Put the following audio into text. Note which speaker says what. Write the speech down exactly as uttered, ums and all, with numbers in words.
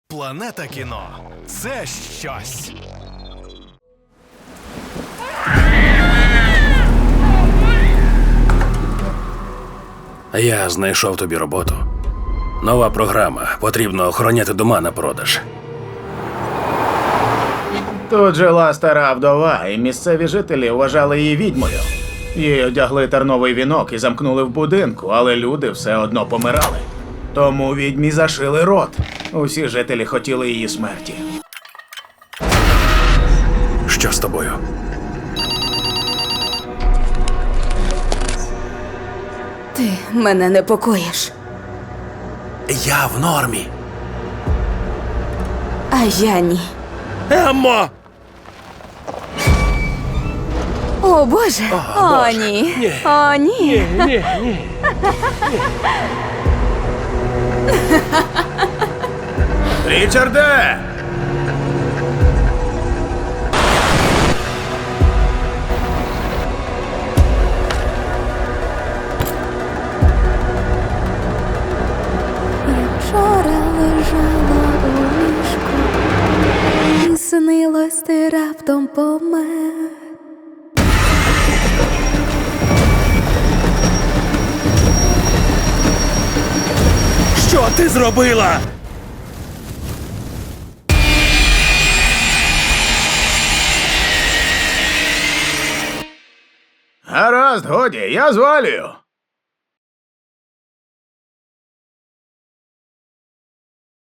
Speaker 1: Планета кіно – це щось.
Speaker 2: Я знайшов тобі роботу. Нова програма. Потрібно охороняти дома на продаж.
Speaker 3: Тут жила стара вдова, і місцеві жителі вважали її відьмою. Їй одягли терновий вінок і замкнули в будинку, але люди все одно помирали. Тому відьмі зашили рот. Усі жителі хотіли її смерті.
Speaker 2: Що з тобою?
Speaker 4: Ти мене непокоїш.
Speaker 2: Я в нормі.
Speaker 4: А я ні.
Speaker 2: Еммо!
Speaker 4: О, Боже! О,
Speaker 2: Боже.
Speaker 4: ні.
Speaker 2: Ні.
Speaker 4: О, ні.
Speaker 2: Ні, ні.
Speaker 3: Річарде!
Speaker 5: Я вчора лежала у ліжку, і снилось, ти раптом помер.
Speaker 2: Що ти зробила?
Speaker 3: Гаразд, годі, я звалюю.